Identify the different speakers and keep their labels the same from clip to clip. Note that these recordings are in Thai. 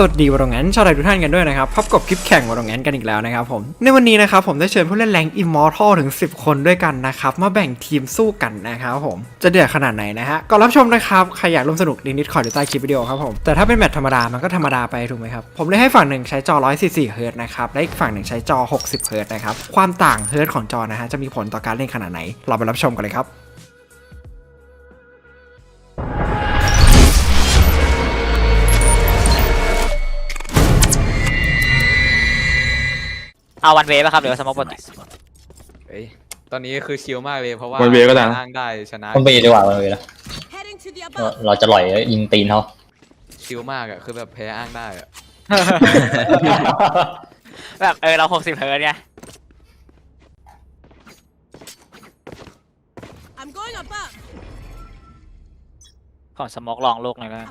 Speaker 1: สวัสดีวอร์แงนชาวไทยทุกท่านกันด้วยนะครับพบกับคลิปแข่งวอร์แงนกันอีกแล้วนะครับผมในวันนี้นะครับผมได้เชิญผู้เล่นแรงอิมมอร์ทัลถึง10คนด้วยกันนะครับมาแบ่งทีมสู้กันนะครับผมจะเดือดขนาดไหนนะฮะก่อนรับชมนะครับใครอยากร่วมสนุกลิงก์ดิสคอร์ดอยู่ใต้คลิปวิดีโอครับผมแต่ถ้าเป็นแมตช์ธรรมดามันก็ธรรมดาไปถูกไหมครับผมเลยให้ฝั่งหนึ่งใช้จอ144 เฮิร์ตซ์นะครับและอีกฝั่งหนึ่งใช้จอ60 เฮิร์ตซ์นะครับความต่างเฮิร์ตซ์ของจอนะฮะจะมีผลต่อการเล่นขนาดไหนเราไปรับชมกันเลยครับ
Speaker 2: เอาวันเวฟป่ะครับหรือว่าสมองปกติ
Speaker 3: ตอนนี้คือชิลมากเลยเพราะว่า
Speaker 4: วันเวก็ได้
Speaker 3: อ้างได้ชนะ
Speaker 5: มันไปดีกว่ามันไปแล้วเราจะหล่อยยิงตีนเขา
Speaker 3: ชิลมากอ่ะคือแบบแพ้อ้างได้อ่ะ
Speaker 2: แบบเรา60 เฮิร์ตซ์ไงของสมองลองโลกหน่อยก็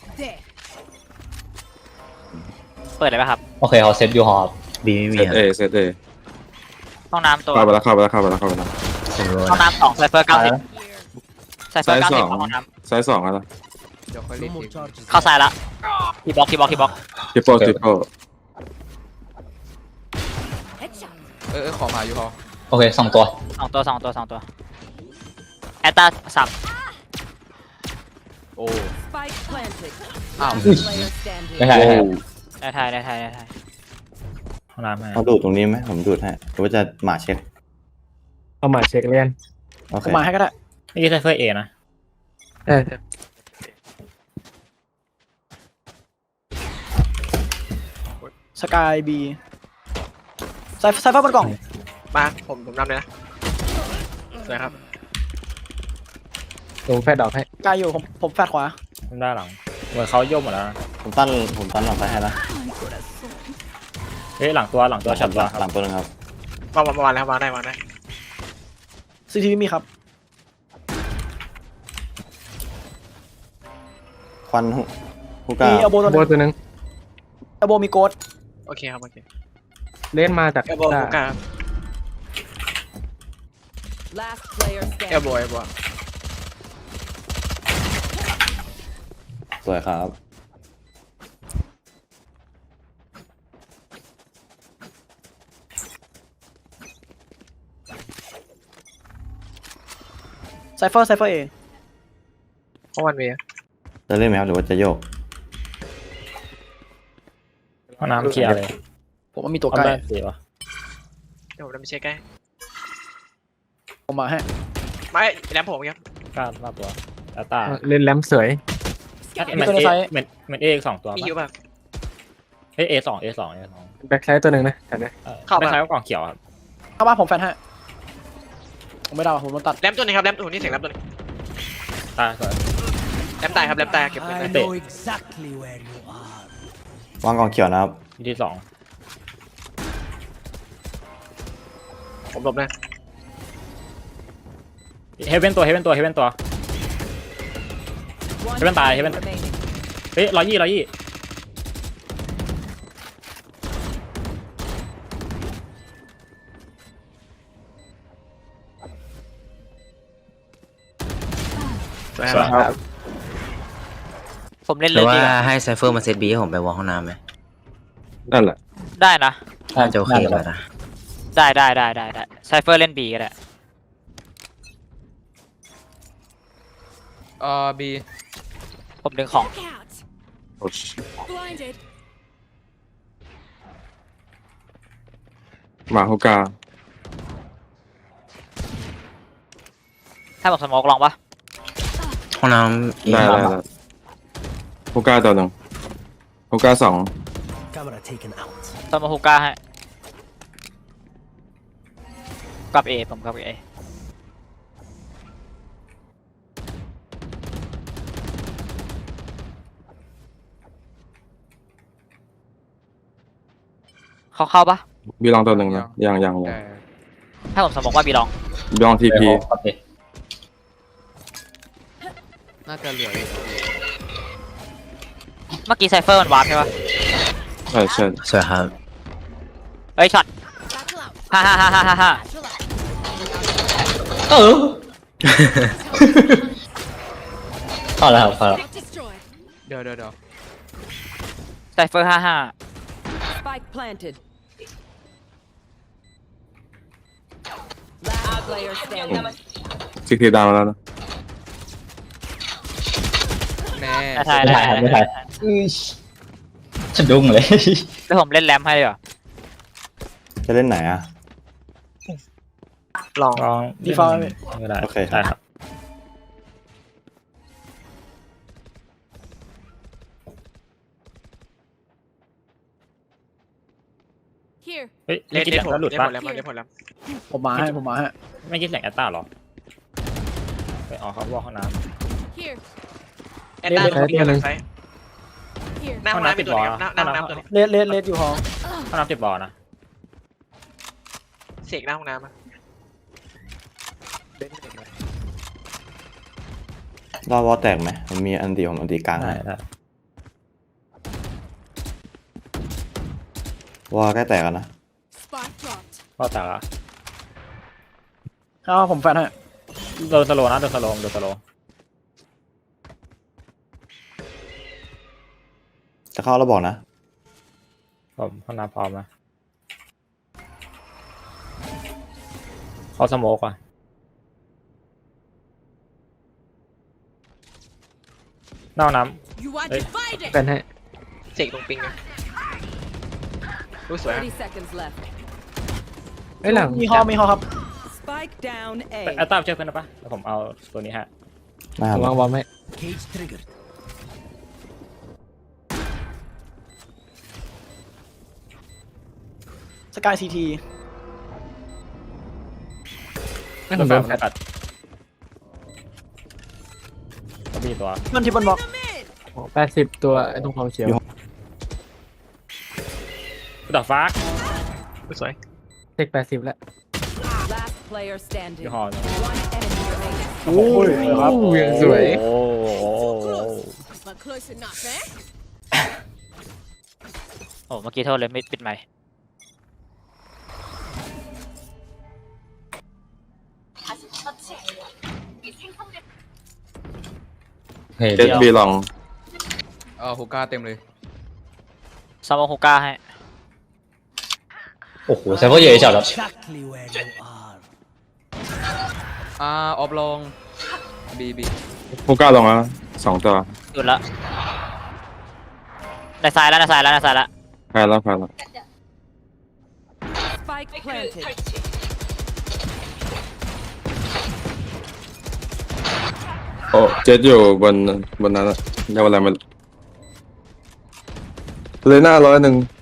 Speaker 2: เปิดเลยป่ะครับ
Speaker 5: โอเคเขาเซตยูฮอร์บีไม่มี
Speaker 4: เซตเอ
Speaker 2: ห้องน้ำตัว
Speaker 4: เข้าไปแล้ว
Speaker 2: ห้องน้ำ2ไซเฟอร์90ไซเฟอร์90ห้องน้
Speaker 4: ไซส์2อะไร
Speaker 3: เดี๋ยวค่อยเล่นที
Speaker 2: ำเข้าซ้ายละคีบล็อก
Speaker 4: ทริปเปิล
Speaker 3: ขอมาอยู่พอ
Speaker 5: โอเค2 ตัว
Speaker 2: 2 ตัวแอตตาสับ
Speaker 3: โอ้
Speaker 6: Spike planted.
Speaker 3: อ้าว
Speaker 6: Player standing.
Speaker 5: ไม่ใช่
Speaker 2: ได้ไทยห้องน้ำให้
Speaker 7: เอาดูดตรงนี้ไหมผมดูดให้หรือว่าจะหมาเช็ค
Speaker 8: เอามาเช็คเรียน
Speaker 7: โอเค
Speaker 8: มาให้ก็ได้
Speaker 2: นี่ไซเฟอร์เอนะ
Speaker 8: สกายบีไซเฟอร์บนกล่อง
Speaker 9: มาผมนำเลยนะสวยครับ
Speaker 8: ผมแฟดดอกให้กายอยู่ผมแฟดขวา
Speaker 2: ด้านหลังเหมือนเขาโยกหมดแล้ว
Speaker 7: ผมตั้นหลังไปให้แล้ว
Speaker 2: เฮ้ยหลังตัวฉับตัว
Speaker 7: หลังตัวนึงครับ
Speaker 9: วางแล้ววางได้
Speaker 8: ซีทีวีมีครับ
Speaker 7: ควันฮูก้า
Speaker 8: มีเอลโบตัวนึงเอลโบมีโกด
Speaker 9: โอเคครับโอเค
Speaker 8: เล่นมาจาก
Speaker 9: เอลโบฮูก้า
Speaker 6: Last player
Speaker 9: เอล
Speaker 6: standing.
Speaker 9: โบ
Speaker 7: สวยครับ
Speaker 8: ไซเฟอร์เอ
Speaker 9: เพราะวันเว
Speaker 7: จะเล่นไหมครับหรือว่าจะโยก
Speaker 2: ห้องน้ำเคลียร์เลย
Speaker 8: ผมว่ามีตัวใกล้
Speaker 9: เดี๋ยวผมจะไปเช็คใกล้
Speaker 8: ผมมาให้
Speaker 9: ไม่แรมผมครับ
Speaker 2: กล้ามาตัวแอตตา
Speaker 8: เล่นแรมสวย
Speaker 2: เหมือนเอ2ตัว
Speaker 9: มีอยู่ป่ะ
Speaker 2: เฮ้ย A2
Speaker 8: แบ็คไซด์ตัวหนึ่งนะแต่เนี่ย
Speaker 9: เข้ามา
Speaker 2: ไม่ใช่ว่ากล่องเขียวครับ
Speaker 8: เข้าบ้านผมแฟดให้ผมไม่ได้ผมโดนตัด
Speaker 9: แรมตัวนึงครับแรมตัวนี้เสียงแรมตัวนึง
Speaker 2: ตาสวย
Speaker 9: แรมตายครับแรมตายเก็บเงิน
Speaker 2: เตะ
Speaker 7: วางกองเขียวนะครับ
Speaker 2: ที่2
Speaker 9: ผมหลบนะ
Speaker 2: เฮเว่นตัว
Speaker 6: One
Speaker 2: Heaven ตาย Heaven
Speaker 6: remaining.
Speaker 2: เฮ้ย120
Speaker 9: สวยครับ
Speaker 2: ผมเล่น
Speaker 10: ห
Speaker 2: เล
Speaker 10: รื
Speaker 2: ย
Speaker 10: อว่า
Speaker 2: ดี
Speaker 10: ให้ไซเฟอร์มาเซตบีให้ผมไปวอลห้องน้ำไหม
Speaker 4: นั่นแหละ
Speaker 2: ได้นะ
Speaker 10: น่าจะโอเคแล้วนะ
Speaker 2: ได้ไซเฟอร์เล่น B ก็ได้
Speaker 3: บี
Speaker 2: ผมดึงของ
Speaker 4: มาฮูก้า
Speaker 2: ให้ผมสโมกลองปะ
Speaker 10: ห้องน้ำ
Speaker 4: ได้ฮูก้าตัวหนึ่งฮูก้า2
Speaker 2: สโมกฮูก้าให้กับ A ผมกับ A เข้าปะ
Speaker 4: บีลองตัวหนึ่งนะยัง
Speaker 2: ให้ผมสมองว่าบีลอง
Speaker 4: บีลองทีพี
Speaker 5: โอเค
Speaker 3: น่าจะเหลือ
Speaker 2: เมื่อกี้ไซเฟอร์มันวาร์ปใช่ปะ
Speaker 4: ใช่
Speaker 10: สวยครับ
Speaker 2: เอ้ยช็อตฮ่า
Speaker 5: เข้าแล้วครับเข้าแล้ว
Speaker 3: เดี๋ยว
Speaker 2: ไซเฟอร์55
Speaker 6: Spike planted. Last player standing.
Speaker 4: ซิกทีดาวแล้วนะ
Speaker 3: แน่
Speaker 2: ได้
Speaker 5: ไม่ถ่ายครับไม่ถ่ายอื้อสะดุ้งเลย
Speaker 2: แล้วผมเล่นแรมให้ดีกว่า
Speaker 7: จะเล่นไหนอ่ะ
Speaker 9: ลอง
Speaker 8: ลองดีฟอลต์
Speaker 10: ก็ได้
Speaker 7: โอเคครับ
Speaker 10: ได้ครับ
Speaker 6: Here.
Speaker 10: เฮ้ย
Speaker 9: เล่
Speaker 10: ไม่
Speaker 9: น
Speaker 10: คิด
Speaker 9: เล่
Speaker 10: แห
Speaker 9: น
Speaker 10: ละ
Speaker 9: ผล
Speaker 10: แล้วหลุด
Speaker 9: เล่น
Speaker 10: ปะ
Speaker 9: ผลแล้วเล่นผลแล้ว
Speaker 8: ผมมาให้ผมมาให้
Speaker 10: ไม่คิดแหล่งแอตตาหรอไปอ๋อเขาบอกห้องน้
Speaker 6: Here.
Speaker 9: แอนด้าตรงนี้ไซ
Speaker 6: Here.
Speaker 9: หน้าห้องน้ำเป็นตัวนี้ครับหน้าห้องน้ำตัวนี้
Speaker 8: เลดอยู่ห้อง
Speaker 10: ำห้องน้ำเจ็บบอลนะ
Speaker 9: เสกหน้าห้องน้ำอะ
Speaker 7: รอวอลแตกไหมผมมีอันตีผมอันตีกลาง
Speaker 10: ได้
Speaker 7: ให้
Speaker 10: ได้
Speaker 7: วอลใกล้แตกแล้วนะ
Speaker 6: Spark dropped.
Speaker 10: พ่อตากอะ
Speaker 8: เอาผมแฟนให้
Speaker 10: โดนสโลว์นะโดนสโลว์โดนสโลว์
Speaker 7: จะเข้าแล้วบอกนะ
Speaker 10: ผมห้องน้ำพร้อมนะเขาสโมกว่ะนอกน้
Speaker 6: You are
Speaker 10: Hey.
Speaker 6: divided.
Speaker 3: เป็นให้
Speaker 9: เสกตรงปิงนะรู้สวยครับ
Speaker 6: 30 seconds left.
Speaker 3: เอ้ยหลัง
Speaker 8: มีห้องครับ
Speaker 6: Spike down
Speaker 10: ำ
Speaker 6: A.
Speaker 10: แอตตาเชื่อเพื่อนได้ปะแล้วผมเอาตัวนี้ฮะ
Speaker 7: นะครับ
Speaker 3: วางบอมให้
Speaker 8: สกายซีที
Speaker 3: ไม่ผมโดน
Speaker 10: แฟกัดก็มีตัว
Speaker 8: มันที่บนบล็อก
Speaker 3: 80 ตัวไอ้ตรงความเขียว
Speaker 10: ต่อฟ้า
Speaker 9: รู้สวย
Speaker 3: เทค80 แล้ว
Speaker 6: Last player standing.
Speaker 10: ยี่ห้อ
Speaker 6: One enemy remaining.
Speaker 8: โอ้ยครับ
Speaker 3: ยังสวย
Speaker 10: โอ้โห
Speaker 6: But close enough, eh?
Speaker 2: โอ้เมื่อกี้โทษเลยไม่ปิดไมค์
Speaker 5: เฮ้ย
Speaker 4: เจ็ดบีลอง
Speaker 3: ฮูก้าเต็มเลย
Speaker 2: ซามองฮูก้าให้
Speaker 5: โอ้โหไซเฟอร์เยอะจัดแล้ว
Speaker 3: ออฟลงบี
Speaker 4: ฮูก้าลงแล้วนะ2 ตัว
Speaker 2: หยุดละในซ้ายแล้วในซ้ายแล้วในซ้ายแล้ว
Speaker 4: แพ้แล้วแพ้แล้ว
Speaker 6: Spike planted.
Speaker 4: โอ้เจ็ดอยู่บนนั้นอะเรียกว่าอะไรมันเลยหน้า100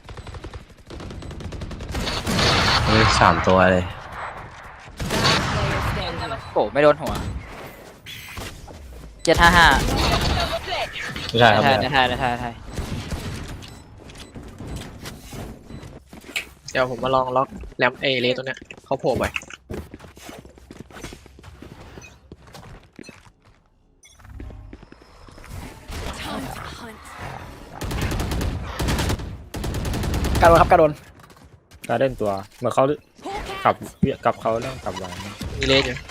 Speaker 10: เฮ้ย3 ตัวเลย
Speaker 6: Player standing.
Speaker 2: โอ้ไม่โดนหัว755
Speaker 5: ไม่ใช่ครับ
Speaker 2: ในไทย
Speaker 9: เดี๋ยวผมมาลองล็อกแรมเลตัวเนี้ยเขาโผล่ไป
Speaker 8: การโดนครับการโดน
Speaker 10: การเล่นตัวเหมือนเขากับเขาเรื่องกลับไว้
Speaker 9: มีเลสอยู่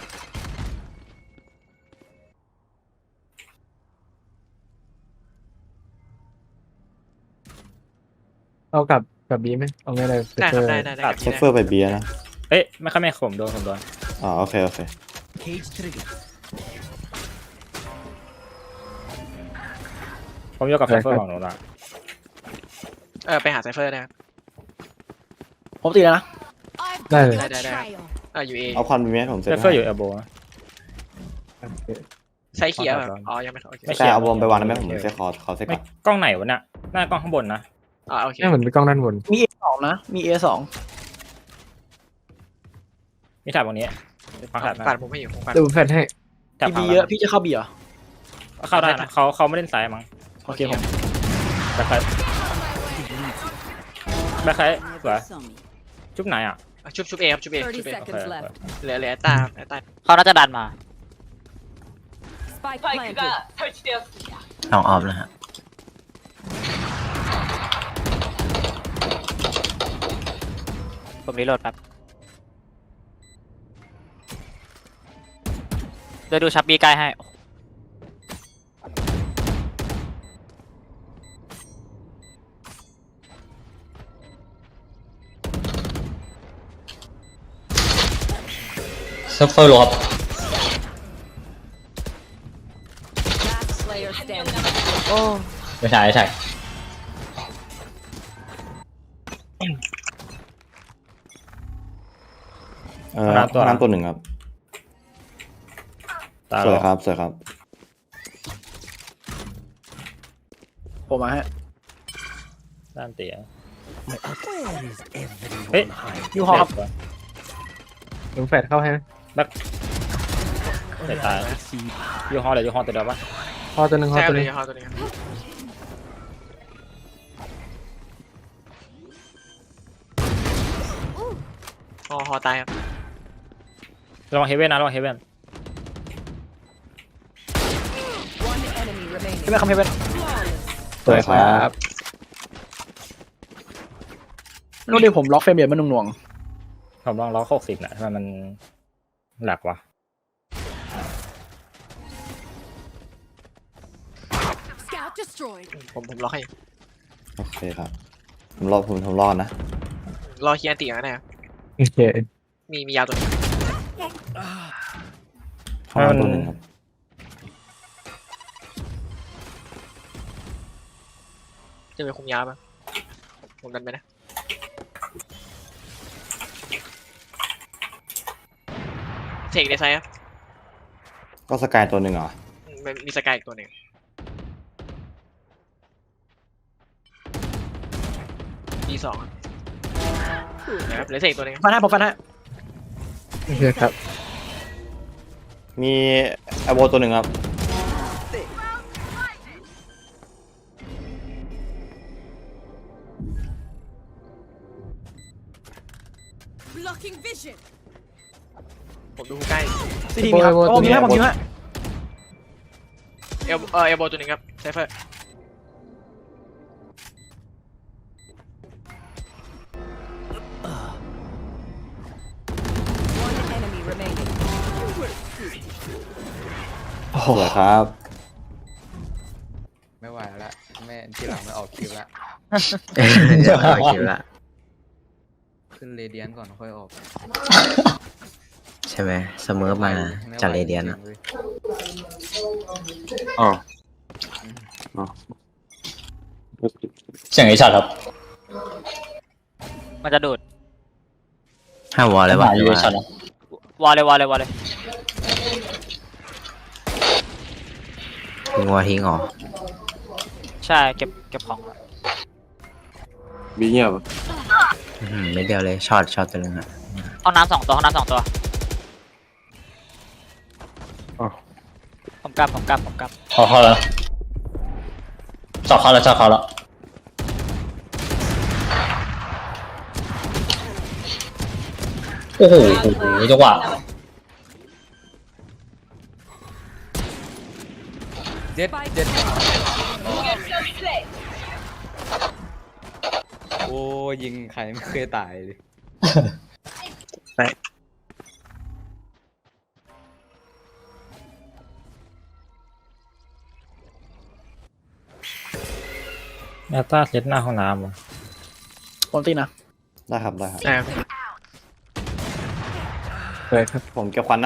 Speaker 3: เอากับบีไหมเอาไงเลย
Speaker 9: ได้ครับได้กับ
Speaker 7: เซฟเฟอร์ไปเบียร์นะ
Speaker 10: เอ้ยไม่ค่อยแม่ผมโดน
Speaker 7: อ๋อโอเคโอเค
Speaker 10: ผมยกกับไซเฟอร์ของหนูละ
Speaker 9: ไปหาไซเฟอร์ได้ครับ
Speaker 8: ผมตีแล้วนะ
Speaker 3: ได้เลย
Speaker 9: ได้อยู่เอ
Speaker 7: เอาควันมีไหมผมเซ
Speaker 10: ไซ
Speaker 7: ฟ
Speaker 10: เฟอร์
Speaker 7: ให้
Speaker 10: อยู่เอลโบนะ
Speaker 9: ไซเขียวแบบอ๋อยังไม่โอเค
Speaker 10: ไม่
Speaker 7: ใช่เอาบอมไปวางได้ไหมผมเซฟคอเซฟ
Speaker 10: ไม่
Speaker 7: ก่อน
Speaker 10: กล้องไหนวะเนี่ยหน้ากล้องข้างบนนะ
Speaker 9: โอเค
Speaker 3: แค่เหมือนมีกล้องด้านบน
Speaker 8: มี A2 นะมี A2
Speaker 10: มีแถบตรงนี้ฟังแถบ
Speaker 9: ปัด
Speaker 10: นะ
Speaker 9: ผมไม่อยู่ผมปัด
Speaker 3: ดูแฟนให้
Speaker 10: แถบ
Speaker 8: มี B เยอะพี่จะเข้า B เหรอ
Speaker 10: เข้าได้นะเขาไม่เล่นซ้ายมั้ง
Speaker 8: โอเคผม
Speaker 10: แบ็คไซด์สวยจุ๊บไหนอ่ะ
Speaker 9: ชุบเอครับชุบเอ
Speaker 6: 30
Speaker 9: ชุบเอ
Speaker 6: seconds left.
Speaker 9: เหลือตา
Speaker 2: เขาน่าจะดันมา
Speaker 6: Spike planted.
Speaker 10: ลองออฟนะฮะ
Speaker 2: ผมรีโหลดแป๊บเดี๋ยวดูชับบีใกล้ให้
Speaker 5: ซัฟเฟอร์โลครับ
Speaker 6: Last player standing.
Speaker 5: ไม่ใช่ไม่ใช่
Speaker 7: ห้องน้ำตัวหนึ่งครับ
Speaker 10: ตา
Speaker 7: สวย
Speaker 10: เรา
Speaker 7: ครับสวยครับ
Speaker 8: ผมมาฮะ
Speaker 10: ด้านเตี๋ยเฮ้ย
Speaker 8: ยูฮอครับ
Speaker 3: ลุงแฟดเข้าให้ไหม
Speaker 10: เตะตายยูฮอเลยยูฮอตัวเดียวปะ
Speaker 3: พอตัวหนึ่งพอ
Speaker 9: ใช่
Speaker 3: ตัวห
Speaker 9: เล
Speaker 3: นึ่
Speaker 9: ย
Speaker 3: ง
Speaker 9: ฮอตัวนี้ฮอตายครับ
Speaker 10: ระวังเฮเว่นนะระวังเฮเว่น
Speaker 6: One enemy remaining.
Speaker 8: เฮเว่นคำเฮเว่น
Speaker 7: สวยครับ
Speaker 8: ไม่รู้ดิผมล็อกเฟรมเรทมันหน่วง
Speaker 10: ผมลองล็อก60นะทำไมมันหลักวะ
Speaker 6: Scout destroyed.
Speaker 9: ผมล็อกให้อยู่
Speaker 7: โอเคครับผมรอดนะ
Speaker 9: รอเคลียร์อันติก่อนนะครับ
Speaker 3: โอเค
Speaker 9: มียาวตัวนี้
Speaker 7: ห้องน้ำตัวหนึ่งครับ
Speaker 9: จะไปคุมยาวป่ะผมดันไปนะเทคในไซด์ครับ
Speaker 7: ก็สกายตัวหนึ่งเหรอ
Speaker 9: มีสกายอีกตัวหนึ่งดีสองนะครับเหลือเทคตัวหนึง
Speaker 8: ๆฟันให้ผมฟันให้
Speaker 3: โอเคครับ
Speaker 7: มีแอโบตัวหนึ่งครับ
Speaker 6: Blocking vision.
Speaker 9: ผมดูใกล้
Speaker 8: ซีดีมีครับโอ้มีฮะผมมีฮะ
Speaker 9: เอลโบตัวหนึ่งครับไซเฟอร์
Speaker 6: One enemy remaining.
Speaker 7: สวยครับ
Speaker 3: ไม่ไหวแล้วแม่ที่หลังไม่ออกคิวละ
Speaker 2: เดี๋ยวเอาคิวละ
Speaker 3: ขึ้นเรเดียนก่อนค่อยออก
Speaker 2: ใช่ไหมเสมอมาจากเรเดียนอะ
Speaker 4: อ๋อ
Speaker 5: เสียงไอช็อตครับ
Speaker 2: มันจะดูดห้ามวอลเลยวะ
Speaker 5: อยู่ไอช็อตนะ
Speaker 2: วอลเลยวอลเลยวอลเลยทิ้งวอลทิ้งเหรอใช่เก็บของ
Speaker 4: บีเงียบ
Speaker 2: ไม่เดียวเลยช็อตตัวนึงอะห้องน้ำ2 ตัวห้องน้ำ2 ตัว
Speaker 4: อ๋อ
Speaker 2: ผมกลับ
Speaker 5: เข้าแล้วจอดเข้าแล้วโอ้โหจังหวะ
Speaker 3: เจ็ดเจ็ดโอ้ยิงใครไม่เคยตายเลย
Speaker 10: แอตตาเซตหน้าห้องน้ำวะ
Speaker 8: ผมตีนะ
Speaker 7: ได้ครับได้ครับ
Speaker 9: อ่า
Speaker 3: เลยครับ
Speaker 7: ผมเก็บควันนะ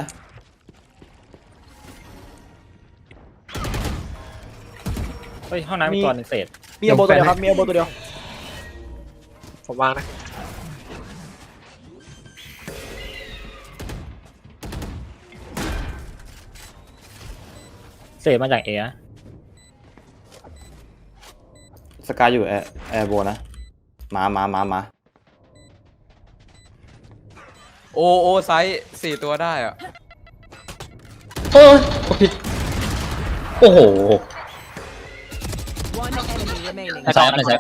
Speaker 10: เฮ้ยห้องน้ำมีตัวหนึงเศษ
Speaker 8: มีเอลโบตัวเดียวครับมีเอลโบตัวเดียว
Speaker 9: ผมวางนะ
Speaker 10: เศษมาจากเอนะ
Speaker 7: สกายอยู่แอร์โบนะมา
Speaker 3: โอไซส์4 ตัวได้อะ
Speaker 5: โอ้ยผิดโอ้โห
Speaker 6: One enemy remaining.
Speaker 5: ไม่ใช่ไม่ใช่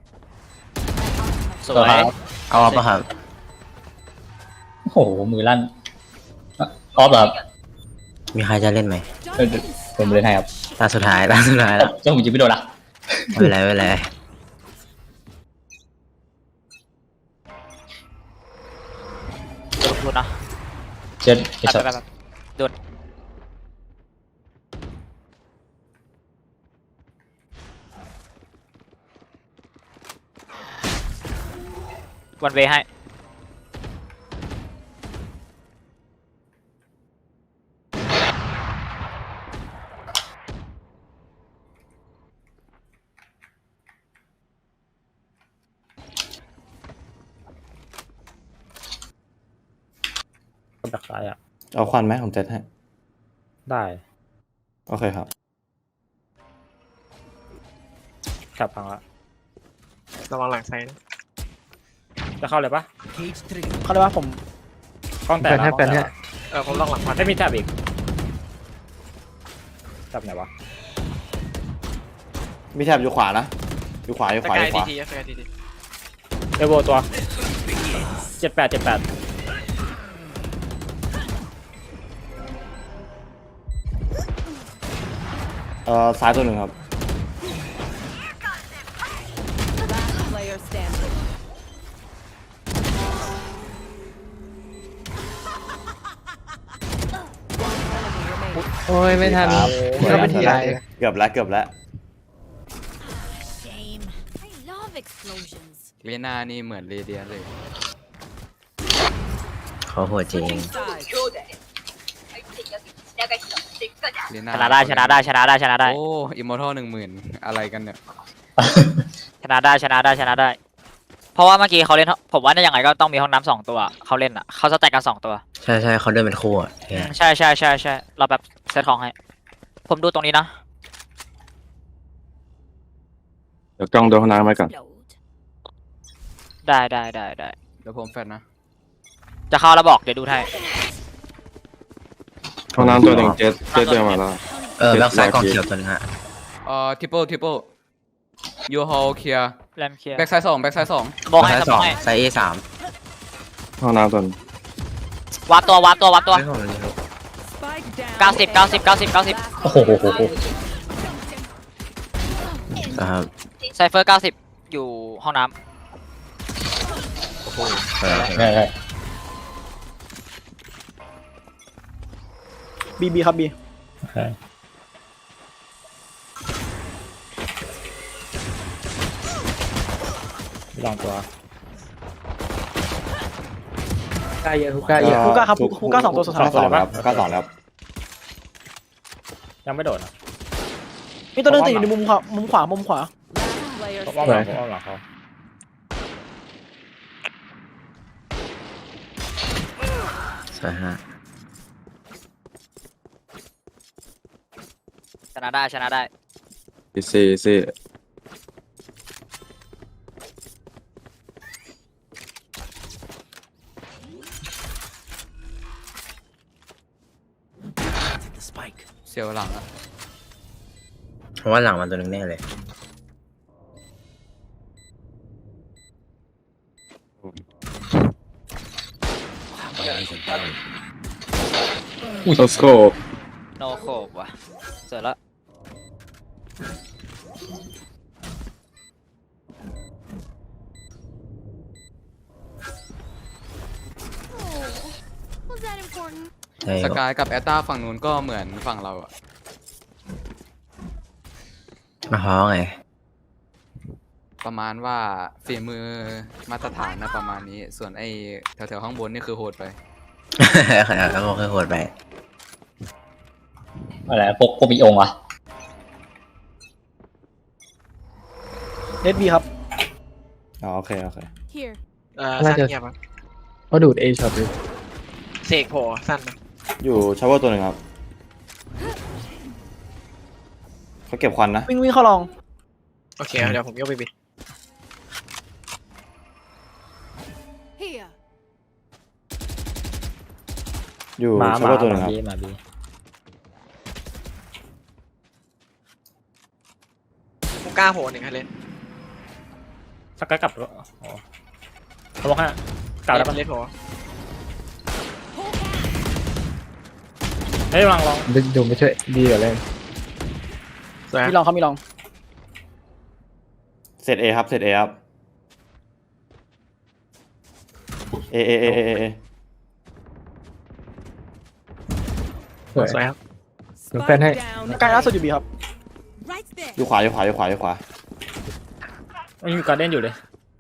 Speaker 2: สวยเอาปะครับ
Speaker 5: โอ้โหมือลั่นออฟเหรอครับ
Speaker 2: มีใครจะเล่นไหม
Speaker 5: ผมเล่นให้ครับ
Speaker 2: ตาสุดท้ายแล้ว
Speaker 5: เจ้าผมยิงไม่โดนละ
Speaker 2: ไม่เป็นไรดูดนะ
Speaker 5: เจ็ดไอช็อต
Speaker 2: แบบดูดวันเวให้
Speaker 10: จากซ้ายอ่ะ
Speaker 7: เอาควันไหมผมเจ็ดให้
Speaker 10: ได้
Speaker 7: โอเคครับ
Speaker 10: แถบพังละ
Speaker 9: ระวังหลังไซด์นะ
Speaker 10: จะเข้าเลยปะ
Speaker 8: เขาเรียกว่าผม
Speaker 10: กล้องแตกนะกล้องแตกนะ
Speaker 9: ผมลองหลังพัน
Speaker 10: ไม่มีแถบอีกแถบไหนวะ
Speaker 7: มีแถบอยู่ขวานะ อยู่ขวาอยู่
Speaker 9: ส
Speaker 7: ขวาอก
Speaker 9: าย
Speaker 7: ยู่ข
Speaker 9: ที
Speaker 7: วา
Speaker 9: ทีสกายทีที
Speaker 10: เอโวตัว78
Speaker 7: ซ้ายตัวหนึ่งครับ
Speaker 6: Last player standing.
Speaker 3: โอ้ยไม่ทัน
Speaker 7: ครับ
Speaker 3: ก็เป็นทีไร
Speaker 7: เกือบแล้วเกือบแล้ว
Speaker 6: Shame. I love explosions.
Speaker 3: เลียนานี่เหมือนเรเดียนเลย
Speaker 2: เขาโหดจริง
Speaker 6: Switching sides.
Speaker 3: เลียนา
Speaker 2: ชนะได้ชนะได้ชนะได้ชนะได้
Speaker 3: โอ้อิมมอร์ทัล10,000อะไรกันเนี่ย
Speaker 2: ชนะได้ชนะได้ชนะได้ เพราะว่าเมื่อกี้เขาเล่นผมว่ายังไงก็ต้องมีห้องน้ำ2ตัวเขาเล่นอ่ะเขาสแต็กกัน2ตัว
Speaker 11: ใช่ใช่เขาเดินเป็นคู่อ่ะ
Speaker 2: ใช่ใช่ใช่ใช่เราแบบเซตของให้ผมดูตรงนี้นะ
Speaker 4: เดี๋ยวกล้องดูห้องน้ำไว้ก่อน
Speaker 2: ได้ได้ได้ได้
Speaker 3: เดี๋ยวผมแฟดนะ
Speaker 2: จะเข้าแล้วบอกเดี๋ยวดูให้
Speaker 4: ห้องน้ำตัวหนึ่งเจ็ดเดินมาแล้ว
Speaker 11: แบ็คไซด์กองเขียวตัวนึงฮะ
Speaker 3: ทิปเปิลยูฮอลเคลียร์
Speaker 2: แรมเคลียร์
Speaker 3: แบ็กไซด์2แบ็กไซด์2
Speaker 2: มองให้
Speaker 11: ไซด์
Speaker 2: ส
Speaker 11: ส
Speaker 2: ม
Speaker 11: อ
Speaker 2: อง งให้
Speaker 11: ไซด์ A3
Speaker 4: ห้องน้ำตัวนึง
Speaker 2: วัดตัววัดตัววัดตัว
Speaker 11: ไม่ของมันนี่ครับ
Speaker 6: Spike down.
Speaker 2: 90
Speaker 5: โอ้โห
Speaker 11: ครับ
Speaker 2: ไซเฟอร์90อยู่ห้องน้
Speaker 5: ได้
Speaker 8: บีครับบี
Speaker 5: โอเคลองตัว
Speaker 8: ฮูก้าครับฮูก้า2ตัวสุดท้าย
Speaker 7: สองแล้วก็สองแล้ว
Speaker 10: ยังไม่โดดนะ
Speaker 8: มีตัวนึงติดอยู่ในมุมขวามุมขวา
Speaker 6: Last player
Speaker 10: ผมอ้อมหลังผมอ้อมหลังเขา
Speaker 11: ใช่ฮะ
Speaker 2: ำชนะได้ชนะได้
Speaker 4: อีซี่
Speaker 3: เสียวหลังอะ
Speaker 11: เพราะว่าหลังมันตัวนึงแน่เลย
Speaker 4: โซสโคป
Speaker 2: โนโคบว่ะเสร็จแล้ว
Speaker 6: Was that important?
Speaker 11: ใช่
Speaker 3: สกายกับแอตตาฝั่งนู้นก็เหมือนฝั่งเราอะ
Speaker 11: มาฮ้อไง
Speaker 3: ประมาณว่าฝีมือมาตรฐานนะประมาณนี้ ส่วนไอ้แถวๆข้างบนนี่คือโหดไป
Speaker 11: แล้วก็ค่อยโหดไป
Speaker 5: อะไรพวกมีองค์อ่ะ
Speaker 8: เน็ตบีครับ
Speaker 7: อ๋อโอเค
Speaker 6: Here.
Speaker 9: สั้นเงียบครับ
Speaker 10: ก็ดูดเอช็อตเลย
Speaker 9: เสกโผล่สั้นนะ
Speaker 7: อยู่ชาวเวอร์ตัวหนึ่งครับเขาเก็บควันนะ
Speaker 8: วิ่งเข้าลอง
Speaker 9: โอเคเดี๋ยวผมยกไปบิด
Speaker 6: Here.
Speaker 7: อยู่
Speaker 10: มา
Speaker 7: ชาวเวอร์ตัวหนึ่งครับ
Speaker 10: บีมาบี
Speaker 9: ฮูก้าโผล่1ให้เล่น
Speaker 10: สักกะกลับอ๋อเขาบอกให้กลับแล้วปะ
Speaker 9: เล่นโผล่
Speaker 10: เฮ้ยลองดูไม่ช่วยดีกว่าเล่น
Speaker 9: สวย
Speaker 8: มีลองครับมีลอง
Speaker 7: เสร็จเอครับเสร็จเอครับเอ
Speaker 9: สวยครับ
Speaker 6: Spike down.
Speaker 8: ใกล้ล่าสุดอยู่บีครับ
Speaker 6: Right there.
Speaker 7: อยู่ขวา
Speaker 10: มันมีการเล่นอยู่เลย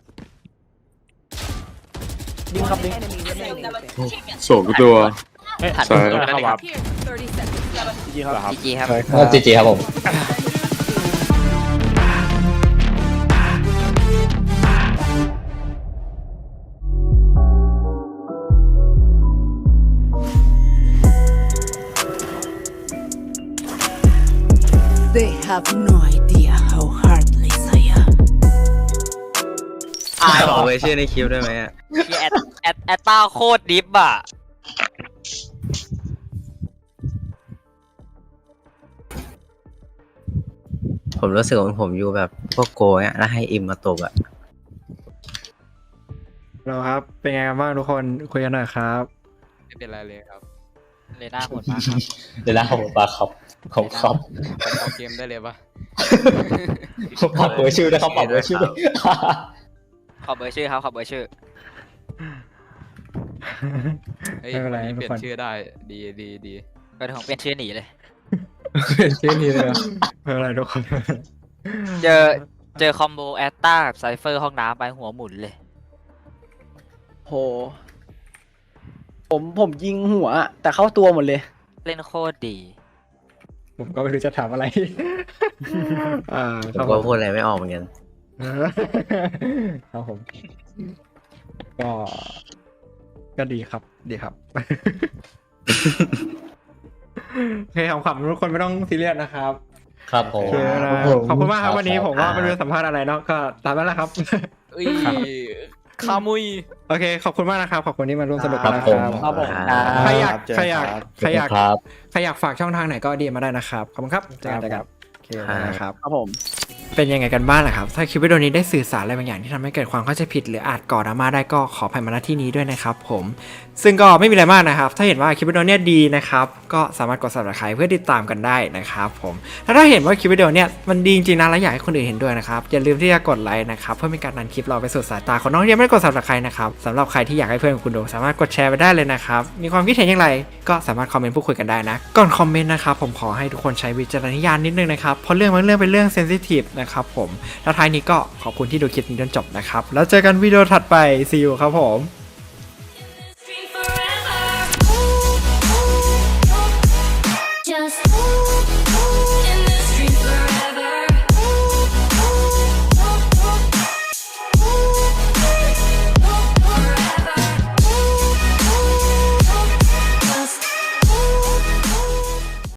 Speaker 8: ดิงครับดิง
Speaker 6: Enemy remaining.
Speaker 4: โศกตัว
Speaker 10: เฮ้ย
Speaker 2: ถัด
Speaker 4: ใช่
Speaker 10: ตัวเข้าวับ
Speaker 6: Here. 30 seconds.
Speaker 8: จีครับ
Speaker 2: จีจีครับ
Speaker 5: จีครับผม
Speaker 2: ตาย
Speaker 11: ขอ
Speaker 2: ว่ะ
Speaker 11: ไว้ชื่อในคลิปได้ไหมอ่ะ
Speaker 2: ที่แอตต้าโคตรดิฟอ่ะ
Speaker 11: ผมรู้สึกว่าผมอยู่แบบพวกโกยอ่ะแล้วให้อิมมาตบอ่ะ
Speaker 1: เราครับ เป็นไงกันบ้างทุกคนคุยกันหน่อยครับ
Speaker 3: ไม่เป็นไรเลยครับ
Speaker 2: เลน่าโหดมากครับ
Speaker 5: เดี๋ยวนะผมปลาครับผมครับ
Speaker 3: ผมเอาเกมได้เลยปะ
Speaker 5: ผมปรับเบอร์ชื่อนะครับปรับเบอร์ชื่อด้วย
Speaker 2: ขอเบอร์ชื่อครับขอเบอร์ชื่อ
Speaker 3: เฮ้ย
Speaker 1: ไม่เป็นไร
Speaker 3: วันนี้
Speaker 1: ทุ
Speaker 3: เป
Speaker 1: ก
Speaker 3: ลี่ย
Speaker 1: คน
Speaker 3: นชื่อได้ดีดีดี
Speaker 2: ก็ถึงผมเป็นชื่อหนีเลย
Speaker 1: ชื่อนี้เลยไม่เป็นไรทุกคน
Speaker 2: เจอคอมโบแอตต้ากับไซเฟอร์ห้องน้ำไปหัวหมุนเลย
Speaker 8: โห ผมยิงหัว แต่เข้าตัวหมดเลย
Speaker 2: เล่นโคตรดี
Speaker 1: ผมก็ไม่รู้จะถามอะไร
Speaker 11: ผมก็พูดอะไรไม่ออกเหมือนกัน
Speaker 1: ครับผมก็ดีครับดีครับ โอเคขำๆทุกคนไม่ต้องซีเรียสนะครับ
Speaker 5: ครับผม
Speaker 1: โอเคนะขอบคุณมากครับวันนี้ผมว่าไม่รู้จะสัมภาษณ์อะไรเนาะก็ตามนั้นแหละครับ
Speaker 3: เอ้ยคามุย
Speaker 1: โอเคขอบคุณมากนะครับขอบคุณที่มาร่วมสนุกกันนะ
Speaker 5: ค
Speaker 1: ค
Speaker 5: รั
Speaker 1: รั
Speaker 5: บบ ผม
Speaker 8: ครับผม
Speaker 1: ใครอยาก
Speaker 7: เจอ
Speaker 1: ใครอยาก
Speaker 7: ครับ
Speaker 1: ใครอยาก
Speaker 5: ครับ
Speaker 1: ใครอยากฝากช่องทางไหนก็ดีมาได้นะครับขอบคุณครับเจอกันครับโอเคนะครับ
Speaker 8: ครับผม
Speaker 1: เป็นยังไงกันบ้างล่ะครับ ถ้าคลิปวิดีโอนี้ได้สื่อสารอะไรบางอย่างที่ทำให้เกิดความเข้าใจผิดหรืออาจก่อดราม่าได้ก็ขออภัยมาณที่นี้ด้วยนะครับผมซึ่งก็ไม่มีอะไรมากนะครับ ถ้าเห็นว่าคลิปวิดีโอเนี้ยดีนะครับก็สามารถกด subscribe เพื่อติดตามกันได้นะครับผมถ้าเห็นว่าคลิปวิดีโอเนี้ยมันดีจริงๆนะและอยากให้คนอื่นเห็นด้วยนะครับอย่าลืมที่จะกดไลค์นะครับเพื่อเป็นการดันคลิปเราไปสู่สายตาคนน้องที่ยังไม่ได้กด subscribe นะครับสำหรับใครที่อยากให้เพื่อนของคุณดูสามารถกดแชร์ไปได้เลยนะครับมีความคิดเห็นอย่างไรก็สามารถคอมเมนต์พูดคุยกันได้นะก่อนคอมเมนต์นะครับผมขอให้ทุกคนใช้วิจารณญาณนิดนึงนะครับเพราะเรื่องบางเรื่องเป็นเรื่องเซนซิทีฟนะครับผมแล้วท้ายนี้ก็ขอบคุณที่ดูคลิปนี้จนจบนะครับแล้วเจอกันวิดีโอถัดไป see you ครับผม